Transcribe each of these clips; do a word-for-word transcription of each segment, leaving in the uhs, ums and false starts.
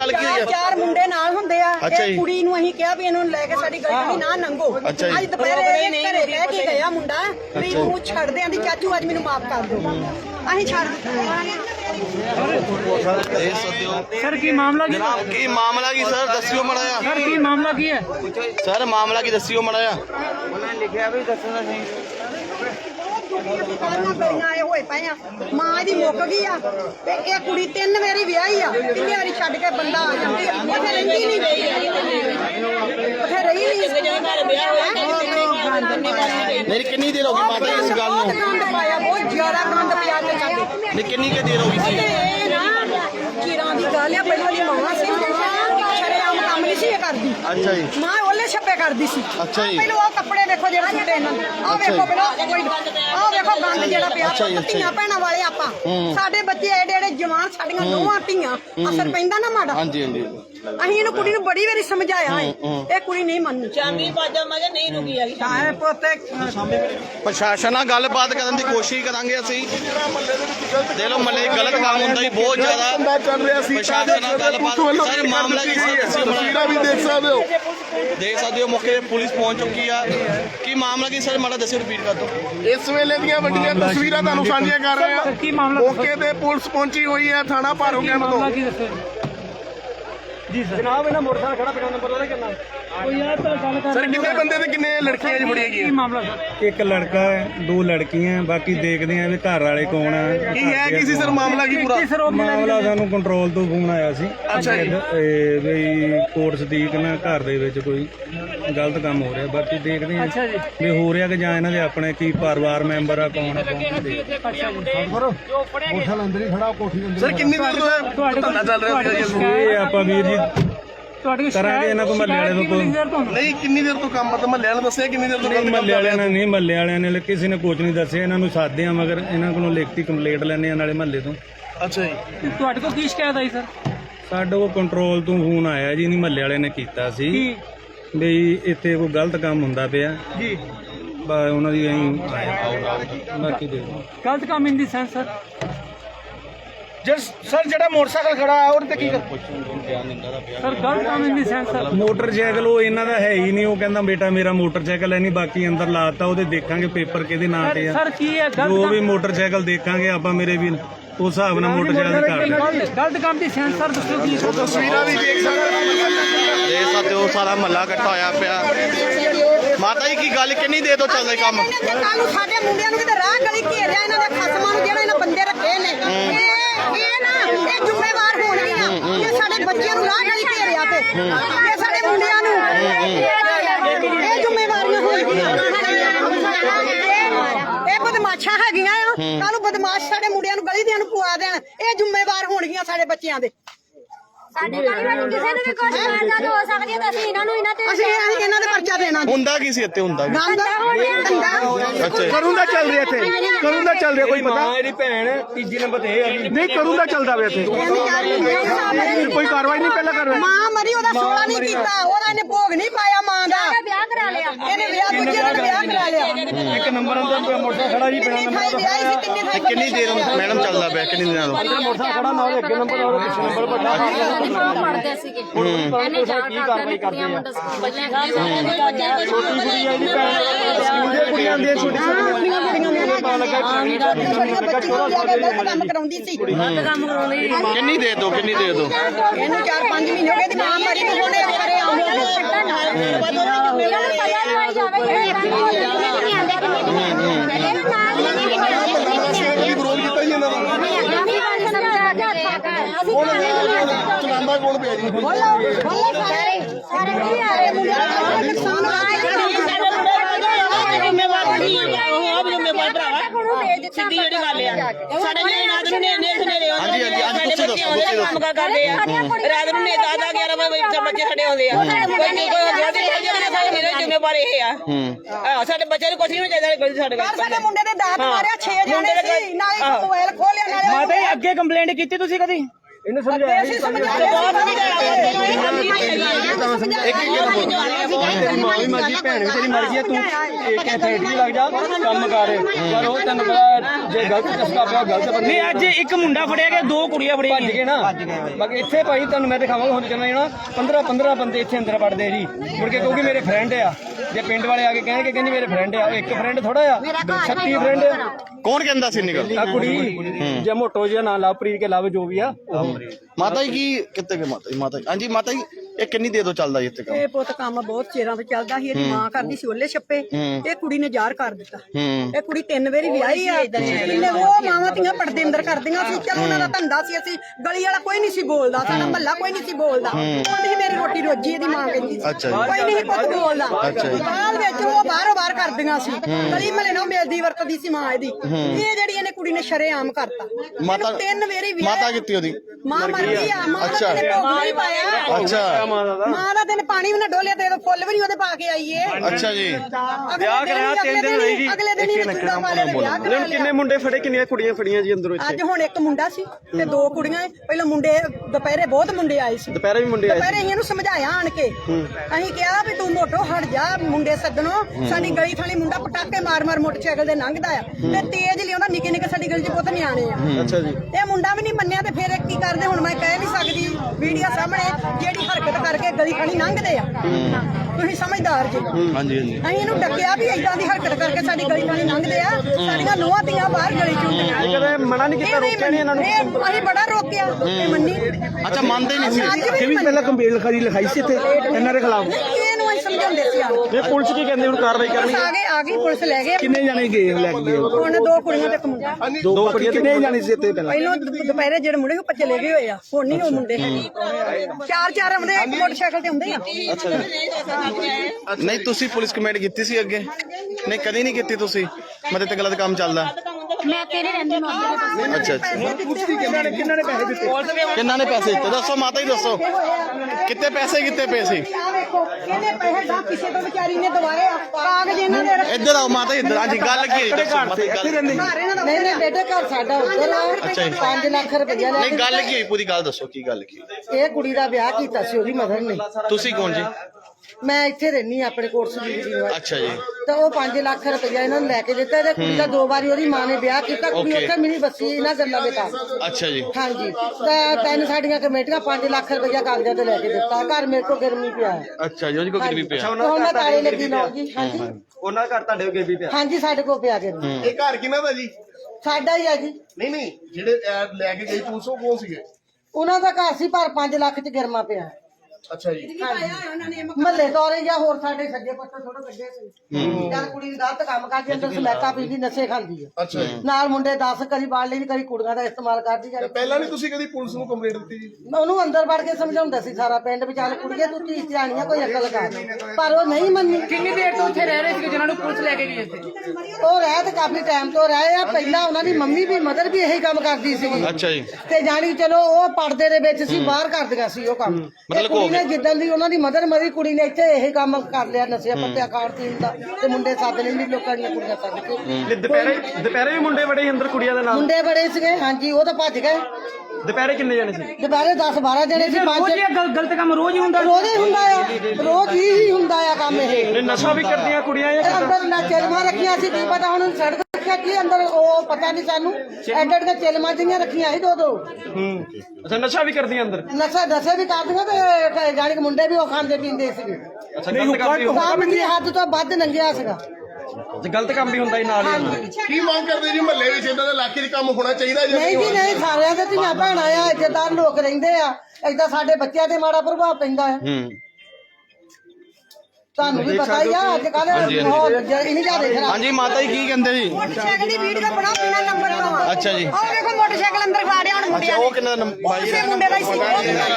ਗੱਲ ਕੀ ਹੋਈ? ਚਾਰ ਮੁੰਡੇ ਨਾਲ ਹੁੰਦੇ ਆ। ਇਹ ਕੁੜੀ ਨੂੰ ਅਸੀਂ ਕਿਹਾ ਵੀ ਇਹਨੂੰ ਲੈ ਕੇ ਸਾਡੀ ਗਲੀ ਨਾ ਲੰਘੋ। ਅੱਜ ਦੁਪਹਿਰੇ ਘਰੇ ਕਹਿ ਕੇ ਗਿਆ ਮੁੰਡਾ ਵੀ ਤੂੰ ਛੱਡ ਦੇ, ਆਂਦੀ ਚਾਚੂ ਅੱਜ ਮੈਨੂੰ ਮਾਫ ਕਰ ਦਿਓ। ਅਸੀਂ ਛੱਡ सर की मामला की की मामला की सर दसियो मड़ा सर की मामला की है सर मामला की दसियो मड़ा ਲਿਖਿਆ ਵੀ ਦੱਸਣਾ ਨਹੀਂ। ਆਏ ਹੋਏ ਪਏ ਆ, ਮਾਂ ਇਹਦੀ ਮੁੱਕ ਗਈ ਆ ਤੇ ਇਹ ਕੁੜੀ ਤਿੰਨ ਵਾਰੀ ਵਿਆਹੀ ਆ, ਤਿੰਨੇ ਵਾਰੀ ਛੱਡ ਕੇ ਬੰਦਾ ਆ ਜਾਂਦੀ ਆ। ਉੱਥੇ ਰਹਿੰਦੀ ਨਹੀਂ, ਉੱਥੇ ਰਹੀ ਨਹੀਂ। मेरी कितनी देर होगी माता इस गल बहुत गंद पाया, बहुत ज्यादा गंद पिया के साडे। नहीं कितनी के देर होगी सी ਚਿਰਾਂ ਦੀ ਗੱਲ ਆ, ਪਹਿਲਾਂ ਦੀ ਮਾਂ ਸੀ, ਸ਼ਰੇਆਮ ਕੰਮ ਨਹੀਂ ਸੀ ਇਹ ਕਰਦੀ। अच्छा जी ਮਾਂ ਉਹਲੇ ਛੱਪੇ ਕਰਦੀ ਸੀ। ਅੱਛਾ ਜੀ। ਪਹਿਲਾਂ ਉਹ ਕੱਪੜੇ ਵੇਖੋ ਜਿਹੜੇ ਸੁੱਟੇ ਇਹਨਾਂ ਨੇ, ਆਹ ਵੇਖੋ ਪਹਿਲਾਂ ਕੋਈ ਆਹ ਵੇਖੋ ਗੰਦ ਜਿਹੜਾ ਪਿਆ। ਧੀਆਂ ਭੈਣਾਂ ਵਾਲੇ ਆਪਾਂ, ਸਾਡੇ ਬੱਚੇ ਐਡੇ ਐਡੇ ਜਵਾਨ, ਸਾਡੀਆਂ ਨੌਵਾਂ ਧੀਆਂ, ਅਸਰ ਪੈਂਦਾ ਨਾ ਮਾੜਾ। ਹਾਂਜੀ ਹਾਂਜੀ ਅਸੀਂ ਇਹਨੂੰ ਕੁੜੀ ਨੂੰ ਬੜੀ ਵਾਰੀ ਸਮਝਾਇਆ ਹੈ, ਇਹ ਕੁੜੀ ਨਹੀਂ ਮੰਨਦੀ। ਚਾਮੀ ਬਾਜਾ ਮਜਾ ਨਹੀਂ ਰੁਕੀ ਹੈਗੀ। ਤਾਂ ਪੋਤੇ ਪ੍ਰਸ਼ਾਸਨ ਨਾਲ ਗੱਲਬਾਤ ਕਰਨ ਦੀ ਕੋਸ਼ਿਸ਼ ਕਰਾਂਗੇ ਅਸੀਂ। ਦੇ ਲੋ ਮੱਲੇ ਗਲਤ ਕੰਮ ਹੁੰਦਾ ਹੀ ਬਹੁਤ ਜ਼ਿਆਦਾ ਚੱਲ ਰਿਹਾ ਸੀ। ਪ੍ਰਸ਼ਾਸਨ ਨਾਲ ਗੱਲਬਾਤ ਸਰ ਮਾਮਲਾ ਕੀ ਸੀ ਤਸਵੀਰਾਂ ਵੀ ਦੇਖ ਸਕਦੇ ਹੋ ਦੇਖ ਸਕਦੇ ਹੋ ਮੌਕੇ ਤੇ ਪੁਲਿਸ ਪਹੁੰਚ ਚੁੱਕੀ ਆ। ਕੀ ਮਾਮਲਾ ਕੀ ਸਰ ਮਾੜਾ ਦੱਸਿਓ, ਰਿਪੀਟ ਕਰ ਦਿਓ। ਇਸ ਵੇਲੇ ਦੀਆਂ ਵੱਡੀਆਂ ਤਸਵੀਰਾਂ ਤੁਹਾਨੂੰ ਸਾਂਝੀਆਂ ਕਰ ਰਹੇ ਹਾਂ। की मामला ਮੌਕੇ ਤੇ ਪੁਲਿਸ ਪਹੁੰਚੀ ਹੋਈ ਹੈ ਥਾਣਾ ਭਾਰੋ ਕੈਂਪ ਤੋਂ। मामला की दसो जी सर जनाब इन्हें मोटरसाइकिल खड़ा पहचान नंबर वाला कितना ओ यार तो गल कर ਸਰ ਕਿੰਨੇ ਬੰਦੇ ਤੇ ਕਿੰਨੇ ਲੜਕੀਆਂ ਜੀ ਫੜੀਆਂ की ਗਈਆਂ? मामला सर ਇੱਕ ਲੜਕਾ ਹੈ, ਦੋ ਲੜਕੀਆਂ, ਬਾਕੀ ਦੇਖਦੇ ਆ ਵੀ ਘਰ ਵਾਲੇ ਕੌਣ ਆ। ਕੀ ਹੈ ਕੀ ਸੀ ਸਰ ਮਾਮਲਾ ਕੀ ਪੂਰਾ? सर वो ਮਾਮਲਾ ਸਾਨੂੰ ਕੰਟਰੋਲ ਤੋਂ ਫੋਨ ਆਇਆ ਸੀ। ਅੱਛਾ ਜੀ। ਇਹ ਵੀ ਕੋਟ ਸਦੀਕ ਨਾਲ ਘਰ ਦੇ ਵਿੱਚ ਕੋਈ ਗਲਤ ਕੰਮ ਹੋ ਰਿਹਾ। ਬਾਕੀ ਦੇਖਦੇ ਆ अच्छा जी ਵੀ ਹੋ ਰਿਹਾ ਕਿ ਜਾਂ ਇਹਨਾਂ ਦੇ ਆਪਣੇ ਕੀ ਪਰਿਵਾਰ ਮੈਂਬਰ ਆ, ਕੌਣ ਆ ਕੌਣ ਨਹੀਂ। ਸਰ ਕਿੰਨੀ ਦੇਰ ਤੋਂ ਇਹ ਧੰਦਾ ਚੱਲ ਰਿਹਾ ਸੀ? ਇਹ ਆਪਾਂ ਵੀਰ ਜੀ ਤੁਹਾਡੇ ਕਰਾਂਗੇ ਇਹਨਾਂ ਕੋਲ ਮਹੱਲੇ ਵਾਲੇ ਤੋਂ। ਨਹੀਂ ਕਿੰਨੀ ਦੇਰ ਤੋਂ ਕੰਮ ਮਤਲਬ ਮਹੱਲੇ ਵਾਲੇ ਦੱਸਿਆ ਕਿੰਨੀ ਦੇਰ ਤੋਂ ਕੰਮ ਮਹੱਲੇ ਵਾਲਿਆਂ ਨੇ ਨਹੀਂ, ਮਹੱਲੇ ਵਾਲਿਆਂ ਨੇ ਕਿਸੇ ਨੇ ਕੁਝ ਨਹੀਂ ਦੱਸਿਆ। ਇਹਨਾਂ ਨੂੰ ਸਾਦੇ ਆ, ਮਗਰ ਇਹਨਾਂ ਕੋਲੋਂ ਲਿਖਤੀ ਕੰਪਲੇਂਟ ਲੈਣੇ ਆ ਨਾਲੇ ਮਹੱਲੇ ਤੋਂ। ਅੱਛਾ ਜੀ। ਤੁਹਾਡੇ ਕੋਲ ਕੀ ਸ਼ਿਕਾਇਤ ਆਈ ਸਰ? ਸਾਡੇ ਕੋਲ ਕੰਟਰੋਲ ਤੋਂ ਫੋਨ ਆਇਆ ਜੀ, ਨਹੀਂ ਮਹੱਲੇ ਵਾਲੇ ਨੇ ਕੀਤਾ ਸੀ ਵੀ ਇੱਥੇ ਕੋਈ ਗਲਤ ਕੰਮ ਹੁੰਦਾ ਪਿਆ ਜੀ। ਬਸ ਉਹਨਾਂ ਦੀ ਅਸੀਂ ਆਏ ਬਾਕੀ ਦੇ ਗਲਤ ਕੰਮ ਇਨ ਦੀ ਸੈਂਸ ਸਰ ਜਸ ਸਰ ਜਿਹੜਾ ਮੋਟਰਸਾਈਕਲ ਖੜਾ ਹੈ ਉਹਦੇ ਤੇ ਕੀ ਸਰ ਗਲਤ ਕੰਮ in the sense sir motorcycle ਉਹ ਇਹਨਾਂ ਦਾ ਹੈ ਹੀ ਨਹੀਂ। ਉਹ ਕਹਿੰਦਾ ਬੇਟਾ ਮੇਰਾ ਮੋਟਰਸਾਈਕਲ ਹੈ ਨਹੀਂ, ਬਾਕੀ ਅੰਦਰ ਲਾਤਾ। ਉਹਦੇ ਦੇਖਾਂਗੇ ਪੇਪਰ ਕਿਹਦੇ ਨਾਂ ਤੇ ਆ। ਸਰ ਕੀ ਹੈ ਜੋ ਗਲਤ ਵੀ ਮੋਟਰਸਾਈਕਲ ਦੇਖਾਂਗੇ ਆਪਾਂ ਮੇਰੇ ਵੀ ਉਸ ਹਿਸਾਬ ਨਾਲ ਮੋਟਰਸਾਈਕਲ ਕਰ ਗਲਤ ਕੰਮ ਦੀ ਸੈਂਸ ਸਰ ਦੱਸੋ ਕੀ ਹੈ? ਤਸਵੀਰਾਂ ਵੀ ਦੇਖ ਸਕਦੇ ਦੇਖ ਸਕਦੇ ਹੋ ਸਾਰਾ ਮਹੱਲਾ ਇਕੱਠਾ ਹੋਇਆ ਪਿਆ। ਮਾਤਾ ਜੀ ਕੀ ਗੱਲ ਕਿੰਨੀ ਦੇਰ ਤੋਂ ਚੱਲਦਾ ਕੰਮ? ਕੱਲ ਨੂੰ ਸਾਡੇ ਮੁੰਡਿਆਂ ਨੂੰ ਕਿਤੇ ਰਾਹ ਗਲੀ ਘੇਰਿਆ, ਇਹਨਾਂ ਦੇ ਖਸਮਾਂ ਨੂੰ ਜਿਹੜਾ ਇਹਨਾਂ ਬੰਦੇ ਰੱਖੇ ਨੇ, ਇਹ ਇਹ ਨਾ ਇਹ ਜ਼ਿੰਮੇਵਾਰ ਹੋਣਗੀਆਂ ਕਿ ਸਾਡੇ ਬੱਚਿਆਂ ਨੂੰ ਰਾਹ ਗਲੀ ਘੇਰਿਆ ਤੇ ਇਹ ਸਾਡੇ ਮੁੰਡਿਆਂ ਨੂੰ ਇਹ ਜ਼ਿੰਮੇਵਾਰੀਆਂ ਹੋਣਗੀਆਂ। ਇਹ ਬਦਮਾਸ਼ਾਂ ਹੈਗੀਆਂ ਆ, ਕੱਲ ਨੂੰ ਬਦਮਾਸ਼ ਸਾਡੇ ਮੁੰਡਿਆਂ ਨੂੰ ਗਲੀ ਦਿਆਂ ਨੂੰ ਪਵਾ ਦੇਣ, ਇਹ ਜ਼ਿੰਮੇਵਾਰ ਹੋਣਗੀਆਂ ਸਾਡੇ ਬੱਚਿਆਂ ਦੇ। ਸਾਡੇ ਗਲੀ ਵਿੱਚ ਕਿਸੇ ਨੂੰ ਵੀ ਕੁਝ ਵਾਰਦਾਤ ਹੋ ਸਕਦੀ ਹੈ ਤਾਂ ਅਸੀਂ ਇਹਨਾਂ ਨੂੰ ਇਹਨਾਂ ਤੇ ਅਸੀਂ ਅਸੀਂ ਇਹਨਾਂ ਦੇ ਪਰਚਾ ਦੇਣਾ। ਹੁੰਦਾ ਕੀ ਸੀ ਇੱਥੇ ਹੁੰਦਾ ਕੀ? ਗੰਦ ਧੰਦਾ ਅੱਛਾ ਕਰੂੰ ਦਾ ਚੱਲ ਰਿਹਾ ਇੱਥੇ ਕਰੂੰ ਦਾ ਚੱਲ ਰਿਹਾ ਕੋਈ ਪਤਾ ਇਹਦੀ ਭੈਣ ਤੀਜੀ ਨੰਬਰ ਤੇ ਇਹ ਨਹੀਂ ਕਰੂੰ ਦਾ ਚੱਲਦਾ ਪਿਆ ਇੱਥੇ ਕੋਈ ਕਾਰਵਾਈ ਨਹੀਂ ਪਹਿਲਾਂ ਕਰ ਰਿਹਾ। ਮਾਂ ਮਰੀ, ਉਹਦਾ ਸੋਲਾ ਨਹੀਂ ਕੀਤਾ, ਉਹਦਾ ਇਹਨੇ ਭੋਗ ਨਹੀਂ ਪਾਇਆ ਮਾਂ ਦਾ। ਵਿਆਹ ਕਰਾ ਲਿਆ। ਇਹਨੇ ਵਿਆਹ ਦੂਜੇ ਨਾਲ ਵਿਆਹ ਕਰਾ ਲਿਆ। ਇੱਕ ਨੰਬਰ ਅੰਦਰ ਮੋਟਰਸਾਈਕਲ ਖੜਾ ਜੀ ਤਿੰਨੀ ਥਾਈ ਵਿਆਹੀ ਸੀ, ਤਿੰਨੀ ਥਾਈ ਕਿੰਨੀ ਦੇਰ ਮੈਡਮ ਚੱਲਦਾ ਪਿਆ? ਕਿੰਨੀ ਦਿਨਾਂ ਤੋਂ? ਮੋਟਰਸਾਈਕਲ ਖੜਾ ਨਾਲ ਅੱਗੇ ਨੰਬਰ ਔਰ ਪਿੱਛੇ ਨੰਬਰ ਵੱਡਾ ਪੜਦੇ ਸੀਗੇ ਇਹਨੇ ਜਾਣ ਕਰਦੇ ਕੁੜੀਆਂ ਮੁੰਡੇ ਸਕੂਲ ਬੱਚੇ ਕੁੜੀਆਂ ਦੇ ਛੋਟੀ ਕੰਮ ਕਰਾਉਂਦੀ ਸੀ। ਕਿੰਨੀ ਦੇਰ ਤੋਂ ਕਿੰਨੀ ਦੇਰ ਤੋਂ? ਇਹਨੂੰ ਚਾਰ ਪੰਜ ਮਹੀਨੇ ਹੋ ਗਏ ਤੇ ਮਾਂ ਮਰੀ ਨੂੰ ਹੁਣੇ ਕਰੇ ਆਉਂਦੇ ਵਿਰੋਧ ਕੀਤਾ ਜੀ ਇਹਨਾਂ ਦਾ। ਚਲਾਉਂਦਾ ਕੌਣ ਪਿਆ ਜੀ? ਨੁਕਸਾਨ ਹੋ ਸਿੱਧੀ ਜਿਹੜੀ ਗੱਲ ਆ ਸਾਡੇ ਨੇ ਰਾਤ ਨੂੰ ਨੇ ਨੇ ਨੇ ਹਾਂਜੀ ਹਾਂਜੀ ਅੱਜ ਤੁਸੀਂ ਦੱਸੋ ਤੁਸੀਂ ਦੱਸੋ। ਕੰਮ ਕਰਦੇ ਆ ਰਾਤ ਨੂੰ ਨੇ ਦਸ ਗਿਆਰਾਂ ਵਜੇ ਬੱਚੇ ਖੜੇ ਹੁੰਦੇ ਆ ਕੋਈ ਨਹੀਂ ਕੋਈ ਗਲਤੀ ਹੋ ਜਾਂਦੀ ਸਾਡੇ ਮੇਰੇ ਜ਼ਿੰਮੇਵਾਰ ਇਹ ਆ ਹਾਂ ਸਾਡੇ ਬੱਚਿਆਂ ਨੂੰ ਕੁਝ ਨਹੀਂ ਚਾਹੀਦਾ ਕੋਈ ਸਾਡੇ ਕੱਲ ਸਾਡੇ ਮੁੰਡੇ ਦੇ ਦਾਤ ਮਾਰਿਆ ਛੇ ਜਣੇ ਸੀ, ਨਾਲੇ ਮੋਬਾਈਲ ਖੋਲਿਆ ਨਾਲੇ ਮਾਤਾ ਜੀ ਅੱਗੇ ਕੰਪਲੇਂਟ ਕੀਤੀ ਤੁਸੀਂ ਕਦੀ? ਇਹਨੂੰ ਸਮਝਾਇਆ ਮਾਂ ਵੀ ਮਰ ਗਈ, ਭੈਣ ਵੀ ਤੇਰੀ ਮਰ ਗਈ, ਤੂੰ ਇੱਕ ਫੈਕਟਰੀ ਲੱਗ ਜਾ ਕੰਮ ਕਰ ਯਾਰ। ਉਹ ਤੈਨੂੰ ਪਤਾ ਜੇ ਗਲਤ ਚਸਕਾ ਪਿਆ ਗਲਤ ਬੰਦੇ ਨਹੀਂ। ਅੱਜ ਇੱਕ ਮੁੰਡਾ ਫੜਿਆ ਗਿਆ, ਦੋ ਕੁੜੀਆਂ ਫੜੀਆਂ ਭੱਜ ਗਏ ਨਾ। ਬਾਕੀ ਇੱਥੇ ਭਾਈ ਤੁਹਾਨੂੰ ਮੈਂ ਦਿਖਾਵਾਂਗਾ ਹੁਣ ਚੱਲਣਾ ਜਾਣਾ ਪੰਦਰਾਂ ਪੰਦਰਾਂ ਬੰਦੇ ਇੱਥੇ ਅੰਦਰ ਵੜਦੇ ਜੀ। ਮੁੜ ਕੇ ਕਹੂਗੀ ਮੇਰੇ ਫਰੈਂਡ ਆ, ਜੇ ਪਿੰਡ ਵਾਲੇ ਆ ਕੇ ਕਹਿਣਗੇ ਕਹਿੰਦੀ ਮੇਰੇ ਫਰੈਂਡ ਆ, ਇੱਕ ਫਰੈਂਡ ਥੋੜਾ ਆ, ਛੱਤੀ ਫਰੈਂਡ। ਕੌਣ ਕਹਿੰਦਾ ਸੀ ਨਿਕਲ ਆ ਕੁੜੀ ਜੇ ਮੋਟੋ ਜਿਹਾ ਨਾਂ ਲਵਪ੍ਰੀਤ ਕੇ ਲਵ ਜੋ ਵੀ ਆ। ਮਾਤਾ ਜੀ ਕੀ ਕਿੱਥੇ ਗਏ ਮਾਤਾ ਜੀ? ਮਾਤਾ ਜੀ ਹਾਂਜੀ ਮਾਤਾ ਜੀ ਇਹ ਕਿੰਨੀ ਦੇਰ ਤੋਂ ਚੱਲਦਾ ਜੀ ਇੱਥੇ ਕੰਮ? ਇਹ ਪੁੱਤ ਕੰਮ ਬਹੁਤ ਚਿਰਾਂ ਤੋਂ ਚੱਲਦਾ ਸੀ। ਇਹਦੀ ਮਾਂ ਕਰਦੀ ਸੀ ਓਲੇ ਛੱਪੇ, ਇਹ ਕੁੜੀ ਨੇ ਜ਼ਾਹਰ ਕਰ ਦਿੱਤਾ। ਇਹ ਕੁੜੀ ਤਿੰਨ ਵਾਰੀ ਵਿਆਹੀ ਆ। ਇਹਨੇ ਉਹ ਮਾਵਾਂ ਧੀਆਂ ਪਰਦੇ ਅੰਦਰ ਕਰਦੀਆਂ ਸੀ। ਚਲੋ ਉਹਨਾਂ ਦਾ ਧੰਦਾ ਸੀ, ਅਸੀਂ ਗਲੀ ਵਾਲਾ ਕੋਈ ਨਹੀਂ ਸੀ ਬੋਲਦਾ, ਸਾਡਾ ਮਹੱਲਾ ਕੋਈ ਨਹੀਂ ਸੀ ਬੋਲਦਾ। ਉਹਦੀ ਮੇਰੀ ਰੋਟੀ ਰੋਜੀ ਇਹਦੀ ਮਾਂ ਕਹਿੰਦੀ ਸੀ, ਕੋਈ ਨਹੀਂ ਪੁੱਤ ਬੋਲਦਾ। ਬਾਅਦ ਵਿੱਚ ਉਹ ਬਾਹਰੋਂ ਬਾਹਰ ਕਰਦੀਆਂ ਸੀ, ਗਲੀ ਮਹੱਲੇ ਨਾਲ ਮਿਲਦੀ ਵਰਤਦੀ ਸੀ ਮਾਂ ਇਹਦੀ। ਇਹ ਜਿਹੜੀ ਇਹਨੇ ਕੁੜੀ ਨੇ ਸ਼ਰੇਆਮ ਕਰਤਾ। ਮਾਤਾ ਤਿੰਨ ਵਾਰੀ ਵਿਆਹ ਮਾਤਾ ਕਿੱਥੇ ਉਹਦੀ? ਮਾਂ ਮਰ ਗਈ ਆ। ਮਾਂ ਦਾ ਤੈਨੇ ਭੋਗ ਨਹੀਂ ਪਾਇਆ। ਅੱਛਾ ਮਾਂ ਦਾ ਦਿਨ ਪਾਣੀ ਵੀ ਨਾ ਡੋਲਿਆ ਤੇ ਫੁੱਲ ਵੀ ਨਹੀਂ ਉਹਦੇ ਪਾ ਕੇ ਆਈਏ। ਅੱਛਾ ਜੀ ਵਿਆਹ ਕਰਾਇਆ ਤਿੰਨ ਦਿਨ ਰਹੀ ਜੀ। ਅਗਲੇ ਦਿਨ ਹੀ ਚੁੱਡਾ ਵਾਲੇ ਨੇ ਵਿਆਹ ਕਰਾ ਲਿਆ। ਕਿੰਨੇ ਮੁੰਡੇ ਫੜੇ, ਕਿੰਨੀਆਂ ਕੁੜੀਆਂ ਫੜੀਆਂ ਜੀ ਅੰਦਰੋਂ? ਅੱਜ ਹੁਣ ਇੱਕ ਮੁੰਡਾ ਸੀ ਤੇ ਦੋ ਕੁੜੀਆਂ। ਪਹਿਲਾਂ ਮੁੰਡੇ ਦੁਪਹਿਰੇ ਬਹੁਤ ਮੁੰਡੇ ਆਏ ਸੀ। ਦੁਪਹਿਰੇ ਵੀ ਮੁੰਡੇ ਆਏ ਦੁਪਹਿਰੇ ਅਸੀਂ ਇਹਨੂੰ ਸਮਝਾਇਆ ਆਣ ਕੇ। ਅਸੀਂ ਕਿਹਾ ਵੀ ਤੂੰ ਮੋਟੋ ਹਟ ਜਾ, ਮੁੰਡੇ ਸੱਦਣੋ। ਸਾਡੀ ਗਲੀ ਥਾਲੀ ਮੁੰਡਾ ਪਟਾਕੇ ਮਾਰ ਮਾਰ ਮੋਟਰਸਾਈਕਲ ਦੇ ਲੰਘਦਾ ਆ ਤੇ ਤੇਜ਼ ਲਿਆਉਂਦਾ। ਨਿੱਕੇ ਨਿੱਕੇ ਸਾਡੀ ਗਲੀ 'ਚ ਬਹੁਤ ਨਿਆਣੇ ਆ। ਅੱਛਾ ਜੀ। ਇਹ ਮੁੰਡਾ ਵੀ ਨਹੀਂ ਮੰਨਿਆ ਤੇ ਫਿਰ ਕੀ ਕਰਦੇ ਹੁਣ ਮੈਂ ਕਹਿ ਨਹੀਂ ਸਕਦੀ ਵੀਡੀਓ ਸਾਹਮਣੇ। ਜਿਹੜੀ ਹਰਕਤ ਕਰਕੇ ਗਲੀ ਖਾਣੀ ਲੰਘਦੇ ਆ, ਤੁਸੀਂ ਸਮਝਦਾਰ ਜੀ। ਹਾਂਜੀ ਹਾਂਜੀ ਅਸੀਂ ਇਹਨੂੰ ਡੱਕਿਆ ਵੀ ਏਦਾਂ ਦੀ ਹਰਕਤ ਕਰਕੇ ਸਾਡੀ ਗਲੀ ਖਾਣੀ ਲੰਘਦੇ ਆ। ਸਾਡੀਆਂ ਨੂੰਹਾਂ ਧੀਆਂ ਬਾਹਰ ਗਲੀ 'ਚ ਹੁੰਦੀਆਂ। ਕਦੇ ਮਨਾ ਨਹੀਂ ਕੀਤਾ, ਰੋਕਿਆ ਨਹੀਂ ਇਹਨਾਂ ਨੂੰ? ਇਹ ਅਸੀਂ ਬੜਾ ਰੋਕਿਆ, ਇਹ ਮੰਨੀ। ਅੱਛਾ ਮੰਨਦੇ ਨਹੀਂ ਸੀ? ਅੱਜ ਵੀ ਨਹੀਂ ਪਹਿਲਾਂ ਕੰਪਲੇਂਟ ਲਿਖਾਈ ਲਿਖਾਈ ਸੀ ਇੱਥੇ ਇਹਨਾਂ ਦੇ ਖਿਲਾਫ। ਮੰਨੀ। ਇਹਨੂੰ ਅਸੀਂ ਸਮਝਾਉਂਦੇ ਸੀ ਆ ਇਹ ਪੁਲਿਸ ਕੀ ਕਹਿੰਦੇ ਹੁਣ ਕਾਰਵਾਈ ਕਰਨੀ? ਆ ਗਏ ਆ ਗਈ ਪੁਲਿਸ ਲੈ ਗਏ। ਕਿੰਨੇ ਜਾਣੇ ਗਏ ਲੈ ਕੇ ਗਏ? ਹੁਣ ਦੋ ਕੁੜੀਆਂ ਤੇ ਇੱਕ ਮੁੰਡਾ। ਦੋ ਕੁੜੀਆਂ ਕਿੰਨੇ ਜਾਣੇ ਸੀ ਇੱਥੇ ਪਹਿਲਾਂ? ਪਹਿਲਾਂ ਦੁ- ਦੁਪਹਿਰੇ ਜਿਹੜੇ ਮੁੰਡੇ ਉਹ ਭੱਜੇ ਲੈ ਗਏ ਹੋਏ ਆ। ਹੁਣ ਨਹੀਂ ਉਹ ਮੁੰਡੇ ਚਾਰ ਚਾਰ ਆਉਂਦੇ ਆ, ਇੱਕ ਮੋਟਰਸਾਈਕਲ ਤੇ ਆਉਂਦੇ ਆ। ਨਹੀਂ ਤੁਸੀਂ ਪੁਲਿਸ ਕੰਪਲੇਂਟ ਕੀਤੀ ਸੀ ਅੱਗੇ? ਨਹੀਂ ਕਦੀ ਨਹੀਂ ਕੀਤੀ ਤੁਸੀਂ? ਮਤੇ ਤੇ ਗਲਤ ਕੰਮ ਚੱਲਦਾ। ਮੈਂ ਤੇਰੇ ਰਹਿੰਦੀ ਮਾਂ ਅੱਛਾ ਅੱਛਾ ਕਿੰਨਾਂ ਨੇ ਕਿੰਨਾਂ ਨੇ ਪੈਸੇ ਦਿੱਤੇ? ਕਿੰਨਾਂ ਨੇ ਪੈਸੇ ਦਿੱਤੇ ਦੱਸੋ ਮਾਤਾ ਜੀ ਦੱਸੋ ਕਿੱਥੇ ਪੈਸੇ ਕਿੱਥੇ ਪਏ ਸੀ? ਆ ਵੇਖੋ ਇਹਨੇ ਪੈਸੇ ਦਾ ਕਿਸੇ ਤੋਂ ਵਿਚਾਰੀ ਨੇ ਦਵਾਏ ਆ। ਕਾਗਜ਼ ਇਹਨਾਂ ਦੇ ਰੱਖੇ। ਇੱਧਰ ਆਓ ਮਾਤਾ ਜੀ ਇੱਧਰ। ਹਾਂਜੀ ਗੱਲ ਕੀ ਹੈ ਦੱਸੋ ਮਾਤਾ ਜੀ ਗੱਲ। ਨਹੀਂ ਨਹੀਂ ਬੇਟੇ ਘਰ ਸਾਡਾ ਉੱਧਰ ਆ। ਅੱਛਾ ਜੀ। ਪੰਜ ਲੱਖ ਰੁਪਇਆ ਲੈ ਨਹੀਂ ਗੱਲ ਕੀ ਹੋਈ ਪੂਰੀ ਗੱਲ ਦੱਸੋ ਕੀ ਗੱਲ ਕੀ? ਇਹ ਕੁੜੀ ਦਾ ਵਿਆਹ ਕੀਤਾ ਸੀ ਉਹਦੀ ਮਦਰ ਨੇ। ਤੁਸੀਂ ਕੌਣ ਜੀ? ਮੈਂ ਇੱਥੇ ਰਹਿਣੀ ਆਪਣੇ ਕੋਰਸ ਦੀ ਯੂਨੀਵਰਸਿਟੀ। ਅੱਛਾ ਜੀ। ਤਾਂ ਉਹ ਪੰਜ ਲੱਖ ਰੁਪਇਆ ਇਹਨਾਂ ਨੂੰ ਲੈ ਕੇ ਦਿੱਤਾ ਤੇ ਕੁੜੀ ਦਾ ਦੋ ਵਾਰੀ ਉਹਦੀ ਮਾਂ ਨੇ ਵਿਆਹ ਕੀਤਾ। ਕੁੜੀ Okay. ਉੱਥੇ ਮਿਲੀ ਬੱਸੀ ਇਹਨਾਂ ਗੱਲਾਂ ਦੇ ਕਾਰਨ। ਅੱਛਾ ਜੀ। ਹਾਂਜੀ ਤਾਂ ਤਿੰਨ ਸਾਡੀਆਂ ਕਮੇਟੀਆਂ ਪੰਜ ਲੱਖ ਰੁਪਇਆ ਕਾਗਜ਼ਾਂ ਤੇ ਲੈ ਕੇ ਦਿੱਤਾ। ਘਰ ਮੇਰੇ ਕੋਲ ਗਿਰਮੀ ਪਿਆ ਹੈ। ਅੱਛਾ ਜੀ ਉਹਦੀ ਕੋਈ ਕਿੰਨੀ ਪਿਆ? ਤਾਂ ਹੁਣ ਮੈਂ ਤਾਲੇ ਲੱਗੀ ਲਾਉ ਜੀ। ਹਾਂਜੀ ਉਹਨਾਂ ਦਾ ਘਰ ਤੁਹਾਡੇ ਅੱਗੇ ਵੀ ਪਿਆ? ਹਾਂਜੀ ਸਾਡੇ ਕੋਲ ਪਿਆ ਗਿਰਮੀ। ਇਹ ਘਰ ਕਿਹਨਾਂ ਦਾ ਜੀ? ਸਾਡਾ ਹੀ ਆ ਜੀ। ਨਹੀਂ ਨਹੀਂ ਜਿਹੜੇ ਅਹ, ਲੈ ਕੇ ਗਈ ਪੁਲਿਸ ਉਹ ਕੌਣ ਸੀਗੇ? ਉਹਨਾਂ ਦਾ ਘਰ ਸੀ ਪਰ ਪੰਜ ਲੱਖ ਚ ਗਿਰਮਾ ਪਿਆ। ਅੱਛਾ ਜੀ। ਮਹੱਲੇ ਦੌਰੇ ਜਾਂ ਹੋਰ ਸਾਡੇ ਸੱਜੇ ਪੱਤੇ ਥੋੜਾ ਕੱਢੇ ਸੀ। ਜਦ ਕੁੜੀ ਗਲਤ ਕੰਮ ਕਰਦੀ ਅੰਦਰ ਸਮੈਕਾ ਪੀਂਦੀ ਨਸ਼ੇ ਖਾਂਦੀ ਹੈ। ਅੱਛਾ ਜੀ। ਨਾਲ ਮੁੰਡੇ ਦਸ ਕਰੀ ਬਾੜ ਲਈ ਕਰੀ ਕੁੜੀਆਂ ਦਾ ਇਸਤੇਮਾਲ ਕਰਦੀ ਤੇ ਜਾਂਦੀ। ਪਹਿਲਾਂ ਨਹੀਂ ਤੁਸੀਂ ਕਦੀ ਪੁਲਿਸ ਨੂੰ ਕੰਪਲੇਂਟ ਦਿੱਤੀ ਜੀ? ਉਹਨੂੰ ਅੰਦਰ ਵੜ ਕੇ ਸਮਝਾਉਂਦਾ ਸੀ ਸਾਰਾ ਪਿੰਡ ਵੀ ਚੱਲ ਕੁੜੀਏ ਤੂੰ ਧੀ ਧਿਆਣੀਆਂ ਕੋਈ ਅਕਲ ਕਰ। ਪਰ ਉਹ ਨਹੀਂ ਮੰਨੀ। ਕਿੰਨੀ ਦੇਰ ਤੋਂ ਉੱਥੇ ਰਹਿ ਰਹੇ ਸੀ ਜਿਹਨਾਂ ਨੂੰ ਪੁਲਿਸ ਲੈ ਕੇ ਗਈ ਇੱਥੇ? ਉਹ ਰਹਿ ਤੇ ਕਾਫੀ ਟਾਈਮ ਤੋਂ ਰਹੇ ਆ। ਪਹਿਲਾਂ ਉਹਨਾਂ ਦੀ ਮੰਮੀ ਵੀ ਮਦਰ ਵੀ ਇਹੀ ਕੰਮ ਕਰਦੀ ਸੀ। ਅੱਛਾ ਜੀ। ਤੇ ਜਾਣੀ ਚਲੋ ਉਹ ਪਰਦੇ ਦੇ ਵਿੱਚ ਸੀ, ਬਾਹਰ ਕਰਦੀਆਂ ਸੀ ਉਹ ਕੰਮ। ਮਤਲਬ ਕੁੜੀ ਨੇ ਜਿੱਦਾਂ ਦੀ ਉਹਨਾਂ ਦੀ ਮਦਰ ਮਰੀ ਕੁੜੀ ਨੇ ਇੱਥੇ ਇਹ ਕੰਮ ਕਰ ਲਿਆ ਨਸ਼ੇ ਪੱਤਿਆ ਖਾਣ ਪੀਣ ਦਾ। ਤੇ ਮੁੰਡੇ ਸੱਦ ਲੈਂਦੀ ਲੋਕਾਂ ਦੀਆਂ ਕੁੜੀਆਂ ਸੱਦ ਕੇ। ਦੁਪਹਿਰੇ ਦੁਪਹਿਰੇ ਵੀ ਮੁੰਡੇ ਬੜੇ ਅੰਦਰ ਕੁੜੀਆਂ ਦੇ ਨਾਲ? ਮੁੰਡੇ ਬੜੇ ਸੀਗੇ ਹਾਂਜੀ। ਉਹ ਤਾਂ ਭੱਜ ਗਏ। ਦੁਪਹਿਰੇ ਕਿੰਨੇ ਜਾਣੇ ਸੀ? ਦੁਪਹਿਰੇ ਦਸ ਬਾਰਾਂ ਜਣੇ ਸੀ। ਪੰਜ ਗਲਤ ਕੰਮ ਰੋਜ਼ ਹੀ ਹੁੰਦਾ? ਰੋਜ਼ ਹੀ ਹੁੰਦਾ ਆ। ਰੋਜ਼ ਹੀ ਹੀ ਹੁੰਦਾ ਆ ਕੰਮ ਇਹ। ਨਸ਼ਾ ਵੀ ਕਰਦੀਆਂ ਕੁੜੀਆਂ? ਇਹ ਅੰਦਰ ਨਾ ਚਿਲਮਾਂ ਰੱਖੀਆਂ ਸੀ। ਕੀ ਪਤਾ ਹੁਣ ਸੜਕ ਰੱਖਿਆ ਕੀ ਅੰਦਰ ਉਹ ਪਤਾ ਨਹੀਂ ਸਾਨੂੰ। ਐਡਡ ਦੇ ਚਿਲਮਾਂ ਜਿਹੀਆਂ ਰੱਖੀਆਂ ਸੀ ਦੋ ਦੋ। ਹੂੰ ਅੱਛਾ ਨਸ਼ਾ ਵੀ ਕਰਦੀਆਂ ਅੰਦਰ? ਨਸ਼ਾ ਨਸ਼ੇ ਵੀ ਕਰਦੀਆਂ ਤੇ ਜਾਣੀ ਕਿ ਮੁੰਡੇ ਵੀ ਉਹ ਖਾਂਦੇ ਪੀਂਦੇ ਸੀਗੇ। ਅੱਛਾ ਗਲਤ ਕੰਮ ਵੀ ਹੁੰਦਾ? ਕੰਮ ਦੀ ਹੱਦ ਤੋਂ ਵੱਧ ਲੰਘਿਆ ਸੀਗਾ। ਗਲਤ ਕੰਮ ਵੀ ਹੁੰਦਾ ਹੀ ਨਾਲ ਹੀ? ਕੀ ਮੰਗ ਕਰਦੇ ਜੀ ਮਹੱਲੇ ਵਿੱਚ ਇਦਾਂ ਦਾ ਇਲਾਕੇ 'ਚ ਕੰਮ ਹੋਣਾ ਚਾਹੀਦਾ ਜੀ? ਨਹੀਂ ਜੀ ਨਹੀਂ ਸਾਰਿਆਂ ਦੇ ਧੀਆਂ ਭੈਣਾਂ ਆ, ਇੱਜ਼ਤਦਾਰ ਲੋਕ ਰਹਿੰਦੇ ਆ। ਏਦਾਂ ਸਾਡੇ ਬੱਚਿਆਂ ਤੇ ਮਾੜਾ ਪ੍ਰਭਾਵ ਪੈਂਦਾ ਹੈ। ਹੂੰ ਤੁਹਾਨੂੰ ਵੀ ਪਤਾ ਹੀ ਆ ਅੱਜ ਕੱਲ ਬਹੁਤ ਇਨੀ ਜ਼ਿਆਦਾ ਖਰਾਬ। ਹਾਂਜੀ ਮਾਤਾ ਜੀ ਕੀ ਕਹਿੰਦੇ ਜੀ? ਮੋਟਰਸਾਈਕਲ ਦੀ ਵੀਡੀਓ ਬਣਾਓ ਬਿਨਾਂ ਨੰਬਰ ਤੋਂ। ਅੱਛਾ ਜੀ। ਉਹ ਵੇਖੋ ਮੋਟਰਸਾਈਕਲ ਅੰਦਰ ਖੜਿਆ ਹੁਣ ਅੱਛਾ ਮੁੰਡਿਆਂ ਉਹ ਨੇ। ਕਿੰਨਾ ਨੰਬਰ? ਉਸੇ ਮੁੰਡੇ ਦਾ ਹੀ ਸੀ।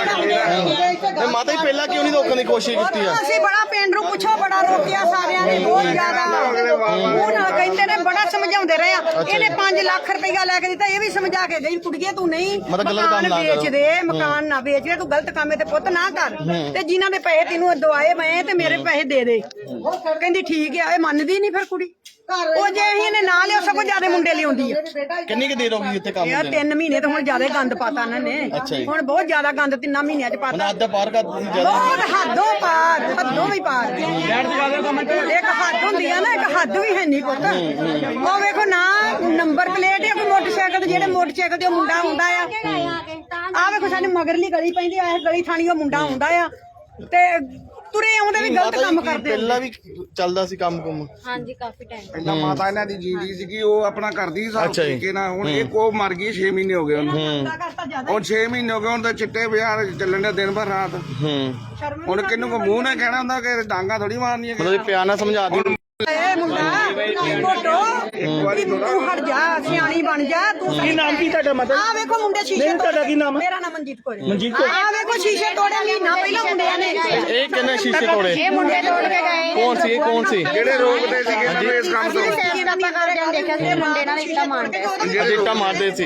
ਤੇ ਮਾਤਾ ਜੀ ਪਹਿਲਾਂ ਕਿਉਂ ਨਹੀਂ ਰੋਕਣ ਦੀ ਕੋਸ਼ਿਸ਼ ਕੀਤੀ ਆ? ਅਸੀਂ ਬੜਾ ਪਿੰਡ ਨੂੰ ਪੁੱਛੋ ਬੜਾ ਰੋਕਿਆ ਸਾਰਿਆਂ ਨੇ ਬਹੁਤ ਜ਼ਿਆਦਾ। ਉਹ ਨਾਲ ਕਹਿੰਦੇ ਨੇ ਬੜਾ ਸਮਝਾਉਂਦੇ ਰਹੇ ਆ। ਇਹਨੇ ਪੰਜ ਲੱਖ ਰੁਪਇਆ ਲੈ ਕੇ ਦਿੱਤਾ। ਇਹ ਵੀ ਸਮਝਾ ਕੇ ਗਈ ਕੁੜੀਏ ਤੂੰ ਨਹੀਂ ਮਤਲਬ ਗਲਤ ਕੰਮ ਨਾ ਵੇਚ ਦੇ, ਮਕਾਨ ਨਾ ਵੇਚ ਦੇ, ਤੂੰ ਗਲਤ ਕੰਮ ਤੇ ਪੁੱਤ ਨਾ ਕਰ। ਤੇ ਜਿਨ੍ਹਾਂ ਦੇ ਪੈਸੇ ਤੈਨੂੰ ਦਵਾਏ ਮੈਂ ਤੇ ਮੇਰੇ ਪੈਸੇ ਦੇ ਦੇ। ਕਹਿੰਦੀ ਠੀਕ ਆ। ਇਹ ਮੰਨਦੀ ਨਹੀਂ ਫਿਰ ਕੁੜੀ। ਉਹ ਜੇ ਅਸੀਂ ਇਹਨੇ ਨਾ ਲਿਓ ਸਗੋਂ ਜ਼ਿਆਦਾ ਮੁੰਡੇ ਲਿਆਉਂਦੀ ਆ। ਕਿੰਨੀ ਕੁ ਦੇਰ ਹੋ ਗਈ ਇੱਥੇ ਕੰਮ ਯਾਰ ਹੁੰਦੇ ਤਿੰਨ ਮਹੀਨੇ ਤਾਂ ਹੁਣ ਜ਼ਿਆਦਾ ਗੰਦ ਪਾਤਾ ਇਹਨਾਂ ਨੇ ਅੱਛਾ ਜੀ। ਹੁਣ ਬਹੁਤ ਜ਼ਿਆਦਾ ਗੰਦ ਤਿੰਨਾਂ ਮਹੀਨਿਆਂ ਚ ਹੁਣ ਪਾਤਾ ਅੱਧ ਪਾਰ ਕਰ ਤੁਸੀਂ ਜ਼ਿਆਦਾ ਬਹੁਤ ਹੱਦੋਂ ਪਾਰ ਹੱਦੋਂ ਵੀ ਪਾਰ ਇੱਕ ਹੱਦ ਹੁੰਦੀ ਆ ਨਾ ਇੱਕ ਹੱਦ ਵੀ ਹੈ ਨਹੀਂ ਪੁੱਤ ਉਹ ਵੇਖੋ ਨਾ ਨੰਬਰ ਪਲੇਟ ਆ ਕੋਈ ਮੋਟਰਸਾਈਕਲ ਤੇ ਜਿਹੜੇ ਮੋਟਰਸਾਈਕਲ ਤੇ ਉਹ ਮੁੰਡਾ ਹੁੰਦਾ ਆ ਆ ਵੇਖੋ ਸਾਡੇ ਮਗਰਲੀ ਗਲੀ ਪੈਂਦੀ ਆ ਇਹ ਗਲੀ ਥਾਣੀ ਉਹ ਮੁੰਡਾ ਹੁੰਦਾ ਆ ਤੇ ਤੁਰੇ ਆਉਂਦੇ ਵੀ ਗਲਤ ਕੰਮ ਕਰਦੇ ਆ। ਪਹਿਲਾਂ ਵੀ ਚੱਲਦਾ ਸੀ ਕੰਮ ਕੁਮ ਹਾਂਜੀ ਕਾਫੀ ਟਾਈਮ ਪਹਿਲਾਂ ਮਾਤਾ ਇਹਨਾਂ ਦੀ ਜੀਂਦੀ ਸੀਗੀ ਉਹ ਆਪਣਾ ਕਰਦੀ ਸੀ ਅੱਛਾ ਜੀ। ਤਰੀਕੇ ਨਾਲ ਹੁਣ ਇਹ ਕੋ ਮਰ ਗਈ ਛੇ ਮਹੀਨੇ ਹੋ ਗਏ ਉਹਨੂੰ ਮੁੰਡਾ ਕਰਤਾ ਜ਼ਿਆਦਾ ਹੁਣ ਛੇ ਮਹੀਨੇ ਹੋ ਗਏ ਹੁਣ ਤਾਂ ਚਿੱਟੇ ਬਾਜ਼ਾਰ ਚੱਲਣ ਦੇ ਦਿਨ ਭਰ ਰਾਤ ਹੂੰ ਹੁਣ ਕਿੰਨੂੰ ਕੋ ਮੂੰਹ ਨਾਲ ਕਹਿਣਾ ਹੁੰਦਾ ਕਿ ਡਾਂਗਾ ਥੋੜੀ ਮਾਰਨੀਆਂ ਮਤਲਬ ਪਿਆਰ ਨਾਲ ਸਮਝਾ ਦਿਓ ਇਹ ਮੁੰਡਾ ਮੋਟੋ ਵੀ ਤੂੰ ਹਟ ਜਾ ਸਿਆਣੀ ਬਣ ਜਾ ਤੂੰ ਕੀ ਨਾਮ ਕੀ ਤੁਹਾਡਾ ਮਤਲਬ ਆ ਵੇਖੋ ਮੁੰਡੇ ਸ਼ੀਸ਼ੇ ਤੁਹਾਡਾ ਕੀ ਨਾਮ ਮੇਰਾ ਨਾਮ ਮਨਜੀਤ ਕੌਰ ਮਨਜੀਤ ਕੌਰ ਆ ਵੇਖੋ ਸ਼ੀਸ਼ੇ ਤੋੜੇ ਮਹੀਨਾ ਪਹਿਲਾਂ ਮੁੰਡਿਆਂ ਨੇ ਇਹ ਕਿੰਨੇ ਸ਼ੀਸ਼ੇ ਤੋੜੇ ਇਹ ਮੁੰਡੇ ਤੋੜ ਕੇ ਗਏ ਕੌਣ ਸੀ ਇਹ ਕੌਣ ਸੀ ਜਿਹੜੇ ਰੋਕਦੇ ਸੀਗੇ ਇਹਨਾਂ ਨੂੰ ਇਸ ਕੰਮ ਤੋਂ ਅਸੀਂ ਆਪਾਂ ਕਰਦੇ ਦੇਖਿਆ ਸੀ ਮੁੰਡੇ ਨਾਲ ਇੱਟਾਂ ਮਾਰਦੇ ਸੀ ਅਜੀਟਾ ਮਾਰਦੇ ਸੀ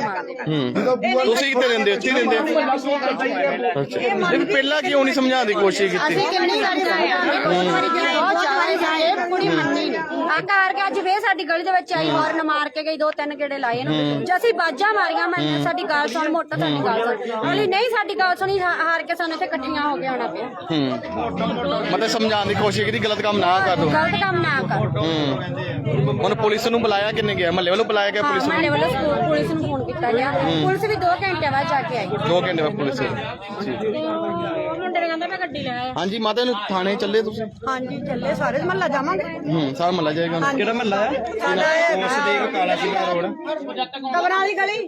ਹੂੰ ਤੁਸੀਂ ਕਿੱਥੇ ਰਹਿੰਦੇ ਹੋ? ਇੱਥੇ ਹੀ ਰਹਿੰਦੇ ਹੋ? ਅੱਛਾ ਇਹ ਪਹਿਲਾਂ ਕਿਉਂ ਨਹੀਂ ਸਮਝਾਉਣ ਦੀ ਕੋਸ਼ਿਸ਼ ਕੀਤੀ ਅਸੀਂ ਕਿੰਨੀ ਵਾਰੀ ਜਾਏ ਬਹੁਤ ਵਾਰੀ ਜਾਏ ਕੁੜੀ ਮੰਨੀ ਨਹੀਂ ਆ ਘਰ ਕੇ ਅੱਜ ਫੇਰ ਸਾਡੀ ਗਲੀ ਦੇ ਵਿੱਚ ਆਈ ਹੌਰਨ ਮਾਰ ਕੇ ਗਈ ਦੋ ਤਿੰਨ ਗੇੜੇ ਲਾਏ ਇਹਨੂੰ ਜੇ ਅਸੀਂ ਬਾਜਾਂ ਮਾਰੀਆਂ ਮੈਂ ਸਾਡੀ ਗੱਲ ਸੁਣ ਮੋਟਾ ਸਾਡੀ ਗੱਲ ਸੁਣ ਅਲੀ ਨਹੀਂ ਸਾਡੀ ਗੱਲ ਸੁਣੀ ਹਾਰ ਹਾਰ ਕੇ ਸਾਨੂੰ ਇੱਥੇ ਇਕੱਠੀਆਂ ਹੋ ਕੇ ਆਉਣਾ ਪਿਆ ਹੂੰ ਮਤਲਬ ਸਮਝਾਉਣ ਦੀ ਕੋਸ਼ਿਸ਼ ਕੀਤੀ ਗਲਤ ਕੰਮ ਨਾ ਕਰ ਦੋ ਗਲਤ ਕੰਮ ਨਾ ਕਰ ਹੂੰ ਹੁਣ ਪੁਲਿਸ ਨੂੰ ਬੁਲਾਇਆ ਕਿੰਨੇ ਗਿਆ ਮਹੱਲੇ ਵੱਲੋਂ ਬੁਲਾਇਆ ਗਿਆ ਹਾਂ ਪੁਲਿਸ ਮਾਰੇ ਨੂੰ ਵੱਲੋਂ ਸਕੂਲ ਪੁਲਿਸ ਨੂੰ ਫੋਨ ਕੀਤਾ ਗਿਆ ਪੁਲਿਸ ਵੀ ਦੋ ਘੰਟੇ ਬਾਅਦ ਜਾ ਕੇ ਆਈ ਦੋ ਘੰਟੇ ਬਾਅਦ ਪੁਲਿਸ ਠੀਕ ਮੁੰਡੇ ਨੇ ਕਹਿੰਦਾ ਮੈਂ ਗੱਡੀ ਲੈ ਆਇਆ ਹਾਂਜੀ ਮਾਤਾ ਨੂੰ ਥਾਣੇ ਚੱਲੇ ਤੁਸੀਂ ਹਾਂਜੀ ਚੱਲੇ ਸਾਰੇ ਮਹੱਲਾ ਜਾਵਾਂਗੇ ਹੂੰ ਸਾਰਾ ਮਹੱਲਾ ਜਾਏਗਾ ਹੁਣ। ਕਿਹੜਾ ਮਹੱਲਾ ਹੈ ਸਾਡਾ ਇਹ ਕਾਲਾ ਸਿੰਘਾ ਰੋਡ ਕਬਰਾਂ ਵਾਲੀ ਗਲੀ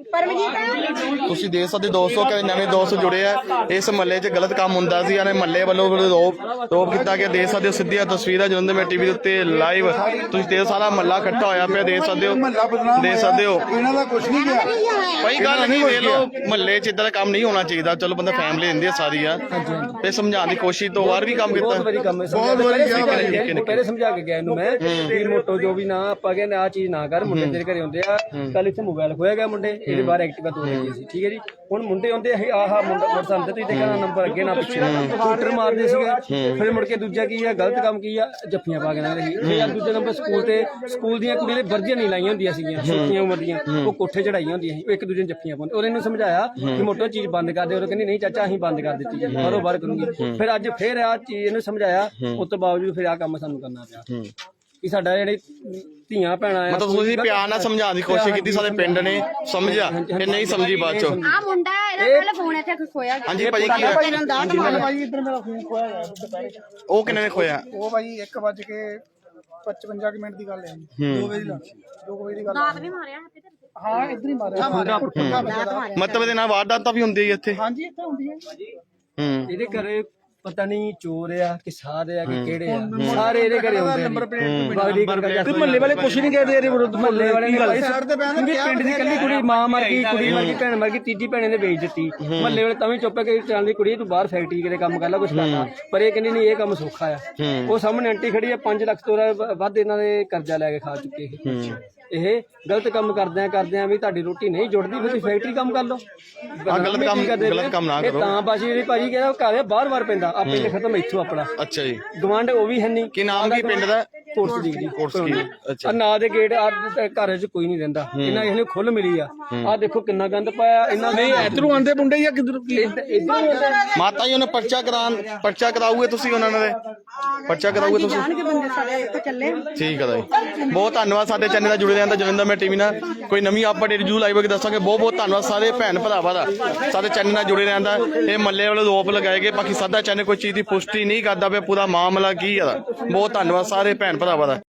ਪਰਮਜੀਤ ਤੁਸੀਂ ਦੇਖ ਸਕਦੇ ਦੋਸਤੋ ਕਿ ਨਵੇਂ ਦੋਸਤ ਜੁੜੇ ਆ ਇਸ ਮਹੱਲੇ 'ਚ ਗਲਤ ਕੰਮ ਹੁੰਦਾ ਸੀ ਯਾਨੀ ਮਹੱਲੇ ਵੱਲੋਂ ਰੋਪ ਰੋਪ ਕੀਤਾ ਗਿਆ ਦੇਖ ਸਕਦੇ ਹੋ ਸਿੱਧੀਆਂ ਤਸਵੀਰਾਂ ਜਦੋਂ ਮੈਂ ਟੀਵੀ ਦੇ ਉੱਤੇ ਲਾਈਵ ਤੁਸੀਂ ਦੇਖ ਸਾਰਾ ਮਹੱਲਾ ਇਕੱਠਾ ਹੋਇਆ ਪਿਆ ਦੇਖ ਸਕਦੇ ਹੋ ਦੇਖ ਸਕਦੇ ਹੋ ਇਹਨਾਂ ਦਾ ਕੁਝ ਨਹੀਂ ਗਿਆ ਭਾਈ ਗੱਲ ਨਹੀਂ ਦੇ ਲੋ ਮਹੱਲੇ 'ਚ ਇਦਾਂ ਦਾ ਕੰਮ ਨਹੀਂ ਹੋਣਾ ਚਾਹੀਦਾ ਚਲੋ ਬੰਦਾ ਫੈਮਿਲੀ ਰਹਿੰਦੀ ਆ ਸਾਰੀ ਆ ਤੇ ਸਮਝਾਉਣ ਦੀ ਕੋਸ਼ਿਸ਼ ਤੋਂ ਵਾਰ ਵੀ ਕੰਮ ਕੀਤਾ ਬਹੁਤ ਵਾਰੀ ਕੰਮ ਬਹੁਤ ਵਾਰੀ ਗਿਆ ਪਹਿਲੇ ਸਮਝਾ ਕੇ ਗਿਆ ਇਹਨੂੰ ਮੈਂ ਵੀ ਮੋਟੋ ਜੋ ਵੀ ਨਾ ਆਪਾਂ ਕਹਿੰਦੇ ਆ ਚੀਜ਼ ਨਾ ਕਰ ਮੁੰਡੇ ਤੇਰੇ ਘਰੇ ਹੁੰਦੇ ਆ ਕੱਲ ਇੱਥੇ ਮੋਬਾਈਲ ਖੋਇਆ ਗਿਆ ਮੁੰਡੇ ਇਹਦੇ ਬਾਹਰ ਐਕਟਿਵਾ ਤੋੜ ਗਈ ਸੀ ਠੀਕ ਹੈ ਜੀ ਹੁਣ ਮੁੰਡੇ ਹੁੰਦੇ ਇਹ ਆਹਾ ਮੁੰਡਾ ਮੋਟਰਸਾਈਕਲ ਤੇ ਦੇਖਣਾ ਨੰਬਰ ਅੱਗੇ ਨਾ ਪਿੱਛੇ ਸਕੂਟਰ ਮਾਰਦੇ ਸੀਗੇ ਫਿਰ ਮੁੜ ਕੇ ਦੂਜਾ ਕੀ ਆ ਗਲਤ ਕੰਮ ਕੀ ਆ ਜੱਫੀਆਂ ਪਾ ਕੇ ਨਾ ਰਹੀ ਫਿਰ ਯਾਰ ਦੂਜੇ ਨੰਬਰ ਸਕੂਲ ਤੇ ਸਕੂਲ ਦੀਆਂ ਕੁੜੀਆਂ ਦੇ ਵਰਦੀਆਂ ਨਹੀਂ ਲਾਈਆਂ ਹੁੰਦੀਆਂ ਸੀਗੀਆਂ ਛੋਟੀਆਂ ਉਮਰ ਦੀਆਂ ਉਹ ਕੋਠੇ ਚੜਾਈਆਂ ਹੁੰਦੀਆਂ ਸੀ ਉਹ ਇੱਕ ਦੂਜੇ ਨੂੰ ਜੱਫੀਆਂ ਪਾਉਂਦੇ ਉਹਨੇ ਨੂੰ ਸਮਝਾਇਆ ਕਿ ਮੋਟੋ ਚੀਜ਼ ਬੰਦ ਕਰ ਦੇ ਉਹ ਕਹਿੰਦੀ ਨਹੀਂ ਚਾਚਾ ਅਸੀਂ ਬੰਦ ਕਰ ਦਿੱਤੀ ਜੀ ਬਾਹਰੋਂ ਬਾਹਰ ਕਰੂੰਗੀ ਫਿਰ ਅੱਜ ਫਿਰ ਆ ਚੀਜ਼ ਇਹਨੂੰ ਸਮਝਾਇਆ ਉਸ ਤੋਂ ਬਾਵਜੂਦ ਫਿਰ ਆ ਕੰਮ ਸਾਨੂੰ ਕਰਨਾ ਪਿਆ ਕਿ ਸਾਡਾ ਜਿਹੜੇ ਧੀਆਂ ਭੈਣਾਂ ਆ ਮਤਲਬ ਤੁਸੀਂ ਪਿਆਰ ਨਾਲ ਸਮਝਾਉਣ ਦੀ ਕੋਸ਼ਿਸ਼ ਕੀਤੀ ਸਾਡੇ ਪਿੰਡ ਨੇ ਸਮਝਿਆ ਇਹ ਨਹੀਂ ਸਮਝੀ ਬਾਅਦ ਚੋਂ ਆ ਮੁੰਡਾ ਇਹਦਾ ਪਹਿਲੇ ਫੋਨ ਇੱਥੇ ਖੋਇਆ ਗਿਆ ਹਾਂਜੀ ਭਾਜੀ ਕੀ ਹੋਇਆ ਭਾਈ ਇੱਧਰ ਮੇਰਾ ਫੋਨ ਖੋਇਆ ਗਿਆ ਦੁਪਹਿਰੇ ਉਹ ਕਿੰਨੇ ਨੇ ਖੋਇਆ ਉਹ ਭਾਈ ਇੱਕ ਵੱਜ ਕੇ ਪਚਵੰਜਾ ਕੁ ਮਿੰਟ ਦੀ ਗੱਲ ਹੈ ਜੀ ਦੋ ਵਜੇ ਦੀ ਦੋ ਵਜੇ ਦੀ ਗੱਲ ਦਾਤ ਵੀ ਮਾਰਿਆ ਹੱਥੇ ਤੇ ਹਾਂ ਇੱਧਰ ਹੀ ਮਾਰਿਆ ਮਾਰਿਆ ਪੱਕਾ ਮਾਰਿਆ ਮਤਲਬ ਇਹਦੇ ਨਾਲ ਵਾਰਦਾਤਾਂ ਵੀ ਹੁੰਦੀ ਹੈ ਇੱਥੇ ਹਾਂਜੀ ਇੱਥੇ ਹੁੰਦੀ ਹੈ ਹੂੰ ਇਹਦੇ ਘਰੇ ਪਤਾ ਨਹੀਂ ਚੋਰ ਆ ਕਿ ਸਾਧ ਆ ਕਿ ਕਿਹੜੇ ਆ ਸਾਰੇ ਇਹਦੇ ਘਰੇ ਹੁੰਦੇ ਆ ਨੰਬਰ ਪਲੇਟ ਮਹੱਲੇ ਵਾਲੇ ਕੁਛ ਨਹੀਂ ਕਹਿੰਦੇ ਇਹਦੇ ਵਿਰੁੱਧ ਮਹੱਲੇ ਵਾਲੇ ਨੇ ਕਿਉਂਕਿ ਪਿੰਡ ਦੀ ਕੱਲੀ ਕੁੜੀ ਮਾਂ ਮਰ ਗਈ ਕੁੜੀ ਮਰ ਗਈ ਭੈਣ ਮਰ ਗਈ ਤੀਜੀ ਭੈਣ ਨੇ ਵੇਚ ਦਿੱਤੀ ਮਹੱਲੇ ਵਾਲੇ ਤਾਂ ਵੀ ਚੁੱਪ ਕੇ ਚੱਲਦੀ ਕੁੜੀ ਤੂੰ ਬਾਹਰ ਫੈਕਟਰੀ ਕਿਤੇ ਕੰਮ ਕਰ ਲੈ ਕੁਛ ਕਰਨਾ ਪਰ ਇਹ ਕਹਿੰਦੀ ਨਹੀਂ ਇਹ ਕੰਮ ਸੌਖਾ ਆ ਉਹ ਸਾਹਮਣੇ ਆਂਟੀ ਖੜੀ ਆ ਪੰਜ ਲੱਖ ਤੋਂ ਵੱਧ ਇਹਨਾਂ ਦੇ ਕਰਜ਼ਾ ਲੈ ਕੇ ਖਾ ਚੁੱਕੇ ਇਹ ਗਲਤ ਕੰਮ ਕਰਦੇ ਆ ਕਰਦੇ ਆ ਵੀ ਤੁਹਾਡੀ ਰੋਟੀ ਨਹੀਂ ਜੁੜਦੀ ਫਿਰ ਤੁਸੀਂ ਫੈਕਟਰੀ ਕੰਮ ਕਰ ਲਓ ਆ ਗਲਤ ਕੰਮ ਗਲਤ ਕੰਮ ਨਾ ਕਰੋ ਤਾਂ ਬਾਜੀ ਇਹਦੀ ਭਾਜੀ ਕਹਿੰਦਾ ਘਰ ਬਾਰ ਬਾਰ ਪੈਂਦਾ ਆਪੇ ਤੇ ਖਤਮ ਇੱਥੋਂ ਆਪਣਾ ਅੱਛਾ ਜੀ ਗਵਾਂਢ ਉਹ ਵੀ ਹੈ ਨਹੀਂ ਕੀ ਨਾਮ ਕੀ ਪਿੰਡ ਦਾ ਕੋਰਸ ਦੀ ਜੀ ਕੋਰਸ ਕੀ ਅੱਛਾ ਆ ਨਾ ਦੇ ਗੇਟ ਆ ਘਰ 'ਚ ਕੋਈ ਨਹੀਂ ਰਹਿੰਦਾ ਇਹਨਾਂ ਇਹਨੇ ਖੁੱਲ ਮਿਲੀ ਆ ਆ ਦੇਖੋ ਕਿੰਨਾ ਗੰਦ ਪਾਇਆ ਇਹਨਾਂ ਨੇ ਇਧਰੋਂ ਆਂਦੇ ਮੁੰਡੇ ਜਾਂ ਕਿਧਰੋਂ ਇਧਰ ਮਾਤਾ ਜੀ ਉਹਨੇ ਪਰਚਾ ਕਰਾਉਣ ਪਰਚਾ ਕਰਾਉਗੇ ਤੁਸੀਂ ਉਹਨਾਂ ਦੇ ਪਰਚਾ ਕਰਾਉਗੇ ਤੁਸੀਂ ਜਾਣਗੇ ਬੰਦੇ ਸਾਡੇ ਇੱਥੇ ਚੱਲੇ ਠੀਕ ਹੈ ਜੀ ਬਹੁਤ ਧੰਨਵਾਦ ਸਾਡੇ ਚੈਨਲ ਨਾਲ ਜੁੜੇ ਰਹਿਣ ਦਾ ਜਲੰਧਰ ਮੈਂ ਟੀਵੀ ਨਾਲ ਕੋਈ ਨਵੀਂ ਅਪਡੇਟ ਜੂ ਲਾਈਵ ਕੇ ਦੱਸਾਂਗੇ ਬਹੁਤ ਬਹੁਤ ਧੰਨਵਾਦ ਸਾਰੇ ਭੈਣ ਭਰਾਵਾਂ ਦਾ ਸਾਡੇ ਚੈਨਲ ਨਾਲ ਜੁੜੇ ਰਹਿਣ ਦਾ ਇਹ ਮੱਲੇ ਵਾਲੇ ਰੋਪ ਲਗਾਏ ਗਏ ਬਾਕੀ ਸਾਡਾ ਚੈਨਲ ਕੋਈ ਚੀਜ਼ ਦੀ ਪੁਸ਼ਟੀ ਨਹੀਂ ਕਰਦਾ ਪਿਆ ਪੂਰਾ ਮਾਮਲਾ ਕੀ ਹੈ ਬਹੁਤ ਧੰਨਵਾਦ ਸਾਰੇ ਭੈਣ ਭਰਾਵਾਂ ਦਾ।